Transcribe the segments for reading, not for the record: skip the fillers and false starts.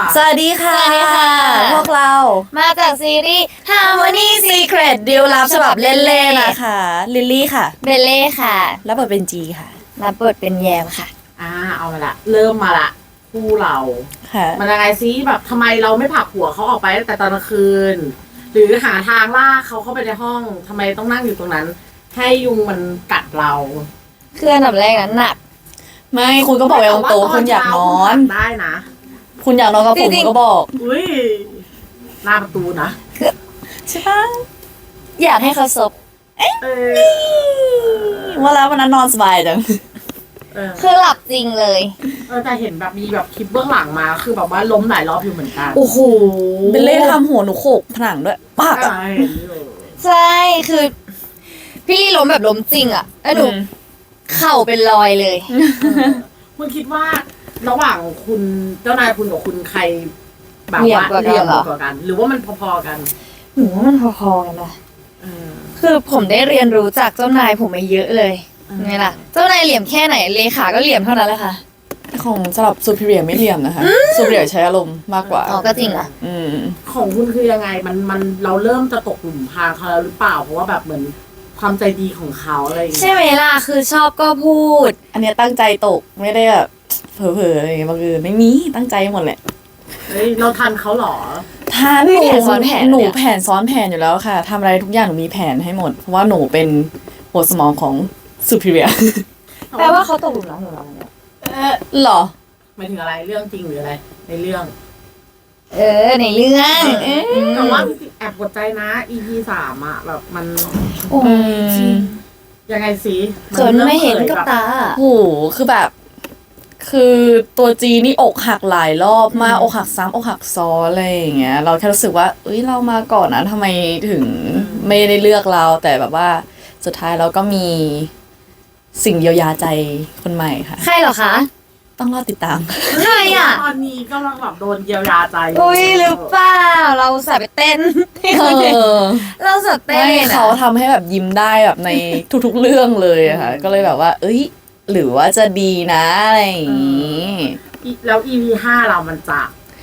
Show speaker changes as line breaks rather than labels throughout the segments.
สวัสดีค่ะ
สวัสดีค่ะ
พวกเรา
มาจากซีรีส์ Harmony
Secret ดีลลับฉบับเล่นๆนะคะลิลลี่ค่ะ
เบลเล่ค่ะ
แล้วบทเป็นจีค่ะ
รับบทเป็นแยมค่ะ
เอามาละเริ่มมาละคู่เรา
ค่ะ
มันยังไงซิแบบทำไมเราไม่ผลักหัวเขาออกไปตั้งแต่ตอนกลางคืน หรือหาทางลากเขาเข้าไปในห้องทำไมต้องนั่งอยู่ตรงนั้น ให้ยุงมันกัดเรา
คืออันดับแรกนั้นหนัก
ไม่คุณก็บอกตรงๆคุณอยากนอน
ได้นะ
คุณอยากนอนกับผม
จริงๆ
ก็บอก
อุ้ยหน้าประตูนะ
ใช่ปะ
อยากให้เขาซบ
เออ
ว่าแล้ววันนั้นนอนสบายจัง
คือหลับจริงเลย
แต่เห็นแบบมีแบบคลิปเบื้องหลังมาคือแบบว่าล้มหลายรอบอยู่เหมือนกัน
โอ้โหเบลเล่ทำหัวหนูโขกผนังด้วยปากอะ
ใช่เห็นอยู่
ใช่คือพี่ล้มแบบล้มจริงอ่ะแล้วหนูเข่าเป็นรอยเลย
คุณคิดว่าระหว่างคุณเจ้านายคุณกับคุณใครแบบ
เหลี่ยม
ว่าก
ว่ากัน
เหลี่ยม
เหรอ
กว่ากัน หรือว่ามันพอๆกัน
หนูว่ามันพอๆกันนะ
เออ
คือผมได้เรียนรู้จากเจ้านายผมมาเยอะเลยไงล่ะ เจ้านายเหลี่ยมแค่ไหนเลขาก็เหลี่ยมเท่านั้นแหละค่ะ
ของสำหรับซูเปอร์เรียไม่เหลี่ยมนะคะซูเปอร์เรียใช้อารมณ์มากกว่า
อ๋อก็จริงอ่ะ
อืม
ของคุณคือยังไงมันเราเริ่มจะตกหลุมพรางเขาแล้วหรือเปล่า เพราะว่าแบบเหมือนความใจดีของเขาอะไรอย่าง
ใช่
เงี้ย
ไหมล่ะคือชอบก็พูด
อันเนี้ยตั้งใจตกไม่ได้แบบเผลอๆอะไรอย่างเงี้ยบางทีไม่มีตั้งใจหมดแหละ
เฮ้ยเราทันเขาเหรอ
ทาน
ไม่แผนซ้อนแผน
หนู
เนี่ย
แผนซ้อนแผนอยู่แล้วค่ะทำอะไรทุกอย่างหนูมีแผนให้หมด เพราะว่าหนูเป็นหัวสมองของซูเปอร์เรีย
แปลว่าเขาตกหลุมรักหนูแล้วเนี่ย
หรอ
หมายถึงอะไรเรื่องจริงหรืออะไร ในเรื่อง
ในเรื่องม
แต่ว่าแอบกดใจนะ EP 3อะแบบมัน
โอ้ย
ยังไงสิ
จนไม่เห็นกับตา
โหคือแบบ คือตัวจีนี่อกหักหลายรอบมากอกหักซ้ำอกหักซ้อนอะไรอย่างเงี้ย เราแค่รู้สึกว่าเอ้ยเรามาก่อนนะทำไมถึงไม่ได้เลือกเรา แต่แบบว่าสุดท้ายเราก็มีสิ่งเยียวยาใจคนใหม่ค่ะ
ใครเหรอคะ
ต้องรอติดตาม
ใครอ่ะ
ตอนนี้กำลังแบบโดนเยียวยาใจ
อุ้ยหรือเปล่า เราสายไปเต้น
เออ
เราสายเต้น
ไม่
อะ
เขาทำให้แบบยิ้มได้แบบในทุกๆเรื่องเลยอะค่ะ ก็เลยแบบว่า เอ้ย หรือว่าจะดีนะอะไรอย่างงี้
แล้ว EP 5เรามันจะ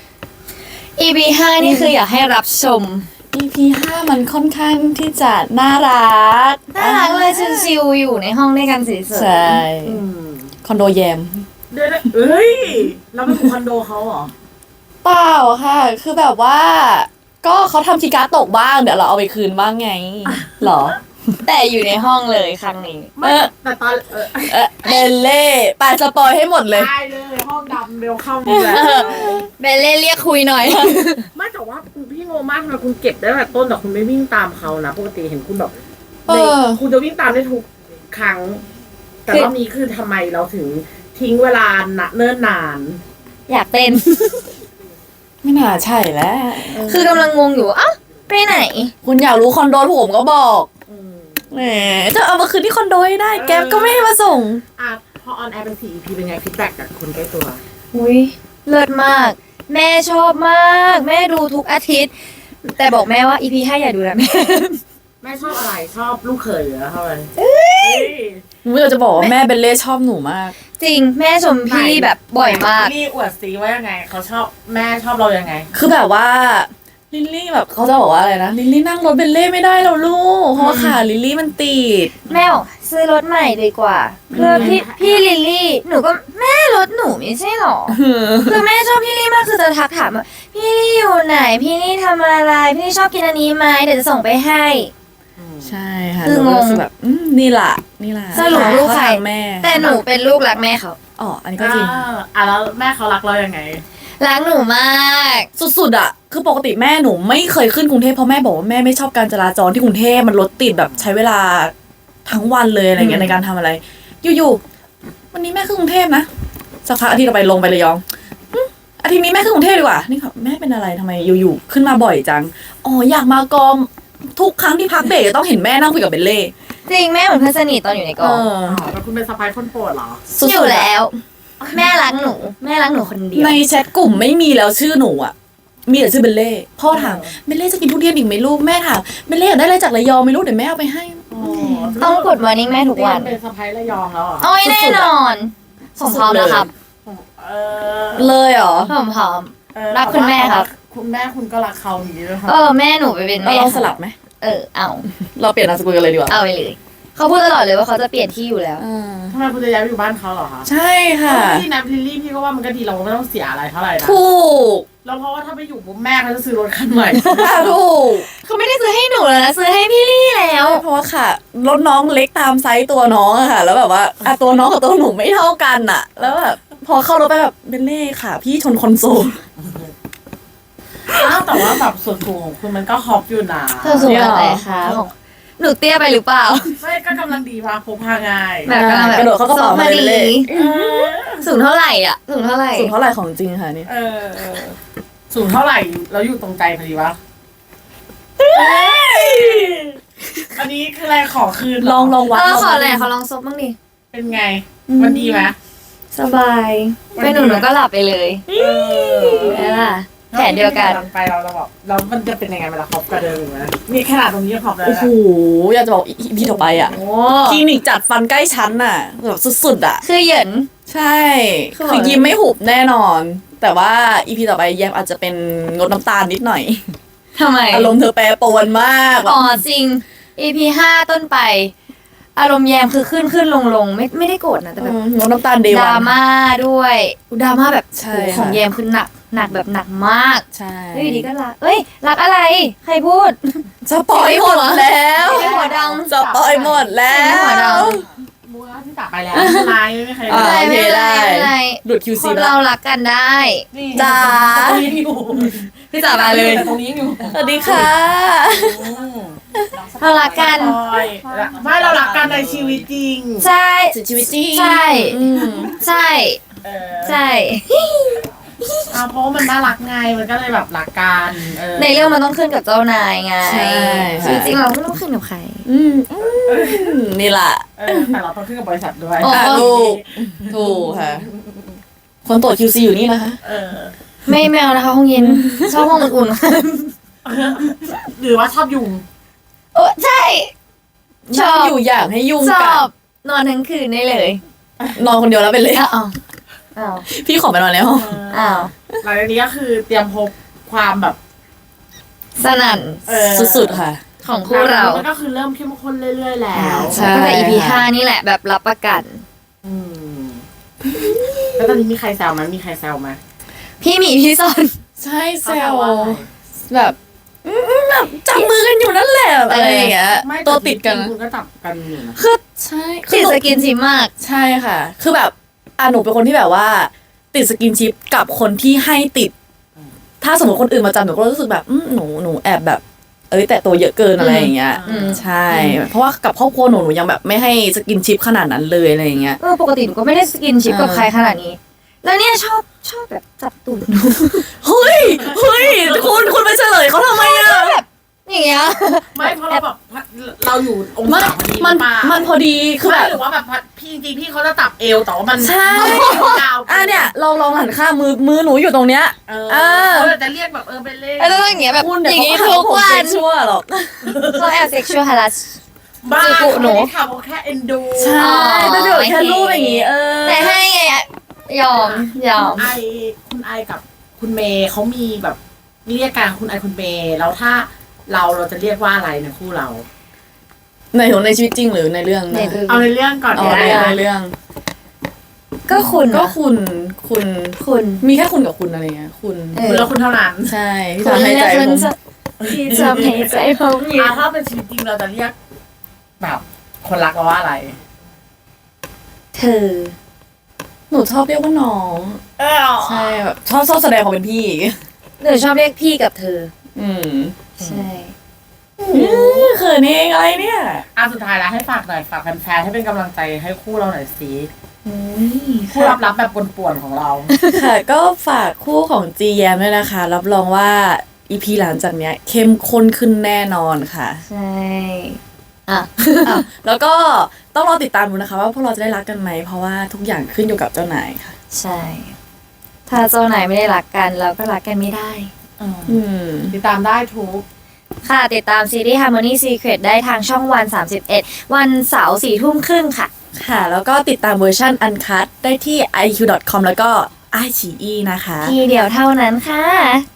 EP 5นี่คืออยากให้รับชม
EP 5มันค่อนข้างที่จะน่ารัก
น่ารักเลยชิวๆอยู่ในห้องด้วยกันสวยๆ
ใช่
อืม
คอนโดแยม
เดี๋ยวๆเอ้ยเราเป็นคอนโดเขาเหรอ
เปล่าค่ะ คือแบบว่า ก็เขาทำคีย์การ์ดตกบ้าง เดี๋ยวเราเอาไปคืนบ้างไงเหรอ
แต่อยู่ในห้องเลยครั้งนี้
ไม่แต่ตอน
เบลเล่ไปสปอยให้หมดเลย
ได้เลยห้องดำเร็วเข้ามาแล้ว
เบลเล่เรียกคุยหน่อย
ไม่แต่ว่าคุณพี่งงมากทำไมคุณเก็บได้แต่ต้นแต่คุณไม่วิ่งตามเขานะปกติเห็นคุณแบบ
เออ
คุณจะวิ่งตามได้ทุกครั้ง แต่รอบนี้คือทำไมเราถึงทิ้งเวลาเนิ่นนาน
อยากเต้น
ไม่น่าใช่แล้ว
คือกำลังงงอยู่อ่ะไปไหน
คุณอยากรู้คอนโดผมก็บอก
อืม
แหมจะเอามาคืนที่คอนโดให้ได้ แก๊ปก็ไม่ให้มาส่ง
อ่ะพอออนแอร์เป็น4 EP เป็นไงฟีดแบ็กจากคนใกล้ตัว
อุ้ยเลิศมาก แม่ชอบมาก แม่ดูทุกอาทิตย์ แต่บอกแม่ว่า EP 5อย่าดูนะแม่
แม่ชอบอะไรชอบลูกเขยเหรอเท่าไหร่
ไม่เราจะบอกว่าแม่เบลเล่ชอบหนูมาก
จริงแม่ชมพี่แบบบ่อยมาก
นี่อวดซีว่ายังไงเขาชอบแม่ชอบเรายังไง
คือแบบว่าลิลลี่แบบเขาจะบอกว่าอะไรนะลิลลี่นั่งรถเบลเล่ไม่ได้หรอกลูกเพราะว่าขาลิลลี่มันติด
แม่บอกซื้อรถใหม่ดีกว่าเพื่อพี่ลิลลี่ หนูก็แม่รถหนูไม่ใช่หรอ คือแม่ชอบพี่ลี่มากคือจะทักถามว่าพี่ลี่อยู่ไหน พี่ลี่ทำอะไร พี่ลี่ชอบกินอันนี้ไหมเดี๋ยวจะส่งไปให้
ใช่ค่ะ
คือ
หนูก็
งง
รู้สึกแบบนี่ล่ะนี่ล่ะ
สรุปลูกใคร
เขาทางแม่
แต่หนูเป็นลูกรักแม่เขา
อ๋ออันนี้ก็จริง
แล้วแม่เขารักเรายังไง
รักหนูมาก
สุดๆอ่ะคือปกติแม่หนูไม่เคยขึ้นกรุงเทพเพราะแม่บอกว่าแม่ไม่ชอบการจราจรที่กรุงเทพมันรถติดแบบใช้เวลาทั้งวันเลยอะไรเงี้ยในการทำอะไร อยู่ๆวันนี้แม่ขึ้นกรุงเทพนะสักพักอาทิตย์ต่อไปลงไประยองอาทิตย์นี้แม่ขึ้นกรุงเทพดีกว่านี่ค่ะแม่เป็นอะไรทำไมอยู่ๆขึ้นมาบ่อยจังอ๋ออยากมากองทุกครั้งที่พักเบรกจะต้องเห็นแม่นั่งคุยกับเบลเล่
จริงแม่เหมือนเพื่อนสนิทตอนอยู่ในก
เอ
อง
อ
แล้วคุณเป็นสะพ้ายคนโปรดเหรอ
สุดๆ
อยู่แล้ว แม่รักหนู แม่รักหนูคนเดียว
ในแชทกลุ่มไม่มีแล้วชื่อหนูอ่ะ มีแต่ชื่อเบลเล่พ่อถามเบลเล่จะกินทุเรียนอีกไหมลูกแม่ถามเบลเล่อยากได้อะไรจากระยองไหม่รู้เดี๋ยวแม่เอาไปให้
ต้องกดมอร์นิ่งแม่ทุกวัน
เป็นสะพ้ายระยองแล้วเหรอ
โอ้ยแน่นอนผมพร้อมแล้วครับ
เออ
เลยเหรอ
ผมพร้อมรักคุณแม่ครับ
คุณแม่คุณก็รักเขาอย่างนี้ด้วยครับ
แม่หนูไปเป็น
เรา
แม่
ลองสลับไหม
เอา
เราเปลี่ยนนามสกุลกันเลยดีกว่า
เอาไปเลยเขาพูดตลอดเลยว่าเขาจะเปลี่ยนที่อยู่แล้ว
ทำไมคุณจะย้ายไปอยู่บ้านเขาเหรอคะ
ใช่ค่ะ
ที่นับลิลลี่พี่ก็ว่ามันก็ดีเราก็ไม่ต้องเสียอะไรเท่าไหร่นะ
ถูก
แล้วเพราะว่าถ้าไปอยู่ปุ๊บแม่เขาจะซื้อรถคันใหม่
ถูก
เขาไม่ได้ซื้อให้หนูแล้วนะซื้อให้พี่ลี่แล้ว
เพราะว่าค่ะรถน้องเล็กตามไซส์ตัวน้องอะค่ะ แล้วแบบว่าตัวน้องกับตัวหนูไม่เท่ากันอะแล้วแบบพอเข้ารถไปแบบเบนเล่ค่ะ พี่ชนคอนโซล
อ้าวแต่ว่าแบบส่วนสูงของคุณมันก็ฮอปอยู่นะ
เธอสูงอะไรคะหนูเตี้ยไปหรือเปล่า
ไม่ก็กำลังดีพาพกพาง่าย
แบบกำลังแบบ
กระโดดเข้ากระเป๋ามาเลย
สูงเท่าไหร่อ่ะสูงเท่าไหร่
สูงเท่าไหร่ของจริงค่ะนี่
สูงเท่าไหร่แล้วอยู่ตรงใจพอดีวะอันนี้คืออะไรขอคืนเหร
ลองวัด
ขออะไรเขาลองซบบ้างดิ
เป็นไง มันดีไหม
สบายเป็นหนูก็หลับไปเลยนี่ล่ะแผนเดียวกัน
ไปเราแบบแล้วมันจะเป็นยังไงเวลาฮอปกระเดิมไหมนี่ขนาดตรงนี้ยังฮอปเลย
โอ้โหอยากจะบอกอีพีต่อไปอะ
โอ้
คลินิกจัดฟันใกล้ชั้นอะแบบสุดๆอะ
คือเหยิน
ใช่
คือ
คือยิ้มไม่หุบแน่นอน แต่ว่าอีพีต่อไปแยมอาจจะเป็นงดน้ำตาลนิดหน่อย
ทำไม
อารมณ์เธอแปรปรวนมากแบบ
อ๋อจริง EP 5 ต้นไป อารมณ์แยมคือขึ้นลงไม่ได้โกรธนะแต่แบบ
งดน้ำตาลเด
ด
วั
ราน ม่าด้วยดราม่าแบบ
ใช่
โห
ค่ะ
ของแยมคือหนักแบบหนักมาก
ใช่
แล้วอยู่ดีก็รักรักอะไร ใครพูด
สปอยหมดแล้ว
ไม่หัวด
สปอยหมดแล้
ไม่หัว
ว
ด
บัวที่ตักไปแล้วไม่เป็นไรไม่มีใคร
อ่า
ำ
โอเคได้
ไม่เป็นไร
หลุด QC
คน
ไปแล้
เรา
ว
รักกันได้
นี่
จ้า
ตรงนี้อยู่
พี่จ๋ามาเลย
แต่ตรงนี้อยู่
สวัสดีค่ะ
เรารักกัน
ไม่เรารักกันในชีวิตจริง
ใช่
ชีวิตจริง
ใช่
อืม
ใช่ ใช่
เพราะว่ามันน่ารักไงมันก็เลยแบบรักกัน
ในเรื่องมันต้องขึ้นกับเจ้านายไง
ใช่
จริงๆเราไม่ต้องขึ้นกับใคร
นี่แหละ
แต่เราต้องขึ้นกับบริษัทด้วย
โอ้
ถูกค่ะ คนตรวจ QC อยู่นี่นะคะ
ไม่เอานะคะห้องเย็นชอบห้องอุ่น
หรือว่าชอบยุง
ๆโอ้ใช่ ชอบ
อยู่อยากให้ยุ่ง
ช
กั
อน บนอนทั้งคืนได้เลย
นอนคนเดียวแล้วไปเลย
อ้าวอ้าว
พี่ขอไปนอนในห้อง
อ้าว
หลังจากนี้ก็คือเตรียมพบความแบบ
สนั่น
สุดๆค่ะ
ของคู่เรา
มันก็คือเริ่มเข้มข้นเรื่อยๆแล้ว
ใช่
ตั้งแต่ EP 5 นี่แหละแบบรับประกัน
แล้วตอนนี้มีใครแซวไหมมีใครแซวไหม
พี่หมีพี่ซอน
ใช่แซ
เขาแซ
ว
วว่าอะไร
แบบแบบจับมือกันอยู่นั่นแหละอะไรอย่างเงี้ย
ไม่
ตัวติดกัน
คุณก็จับกันอยู่นะ
คือใช่
ติดสกินชิปมาก
ใช่ค่ะ คือแบบหนูเป็นคนที่แบบว่า ติดสกินชิปกับคนที่ให้ติด ถ้าสมมติคนอื่นมาจับหนูก็รู้สึกแบบหนูแอบแบบ แต่ตัวเยอะเกินอะไรอย่างเงี้ย ใช่ เพราะว่ากับครอบครัวหนูยังแบบไม่ให้สกินชิปขนาดนั้นเลยอะไรอย่างเงี้ย
ปกติหนูก็ไม่ได้สกินชิปกับใครขนาดนี้ แล้วเนี่ยชอบแบบจับตูดหนู
เฮ้ยคุณไปเฉลยเขาทำไมอะ
อย่างเงี้ย
ไม่เพราะเราแบบเราอยู่อง
มัน
ศาพอดี
มัน
หรือเปล่า
มันพอดีคือ
ไม่
แบบ
หรือว่าแบบพี่จริงๆพี่เขาจะตับเอวแต่ว่ามัน
ใช่
ยาว
เนี่ยลองหันข้างมือหนูอยู่ตรงเนี้ย
เขาจะเรียกแบบเป็นเล่
แล้วต้องอย่างเงี้ยแบบ
คุณ
อย่าง
เดี๋
งี้
ยวเขา
ทุก
ผม
วั
เซ็
น
กชวลหรอก
เขาแอบเซ็กชวลฮาร์ส
บ้า
จุกุหนู
ไม่ได้ทำเขาแค่เอ็นดู
ใช่แต่เดี๋ยวแค่รูปอย่างงี้
แต่ให้ไงอะยอม
คุณไอกับคุณเมย์เขามีแบบเรียกกันคุณไอคุณเมย์แล้วถ้าเราจะเรียกว่าอะไรในคู่เรา
ในชีวิตจริงหรือในเรื่อง
ใน
นะ
เรื่อง
เอาในเรื่องก่อน
อ๋อ
ก็ได้
ในเรื่อง
ก็คุณ
ก็
นะ
คุณมีแค่คุณกับคุณอะไรเงี้ยคุณ
คุณแล้วคุณเท่านั้น
ใช่ที่
คุณ
ทำให้ใจ
และ
ผ
คุณ
ม
ที่จะให้ใจผมอยู่
ถ้าเป็นชีวิตจริงเราจะเรียกแบบคนรักเราว่าอะไร
เธอ
หนูชอบเรียกว่าน้องใช่แบบชอบแสดงความเป็นพี่
หนูชอบเรียกพี่กับเธอ ใช่
เขินเองอะไรเนี่ย
สุดท้ายแล้วให้ฝากหน่อยฝากแฟนๆให้เป็นกำลังใจให้คู่เราหน่อยสิคู่รับแบบป่วนๆของเรา
ค่ะก็ฝากคู่ของจีแยมด้วยนะคะ รับรองว่าอีพีหลังจากเนี้ยเข้มข้นขึ้นแน่นอนค่ะ
ใช่
แล้วก็ต้องรอติดตามดูนะคะ ว่าพวกเราจะได้รักกันไหมเพราะว่าทุกอย่างขึ้นอยู่กับเจ้านายค่ะ
ใช่ ถ้าเจ้านายไม่ได้รักกันเราก็รักกันไม่ได้
ติดตามได้ทุก
ค่ะ ติดตามซีรีส์ Harmony Secret ได้ทางช่องวัน 31 วันเสาร์4 ทุ่มครึ่งค่ะ
ค่ะ แล้วก็ติดตามเวอร์ชันอันคัดได้ที่ iq.com แล้วก็ไอฉีอีนะคะ
ทีเดียวเท่านั้นค่ะ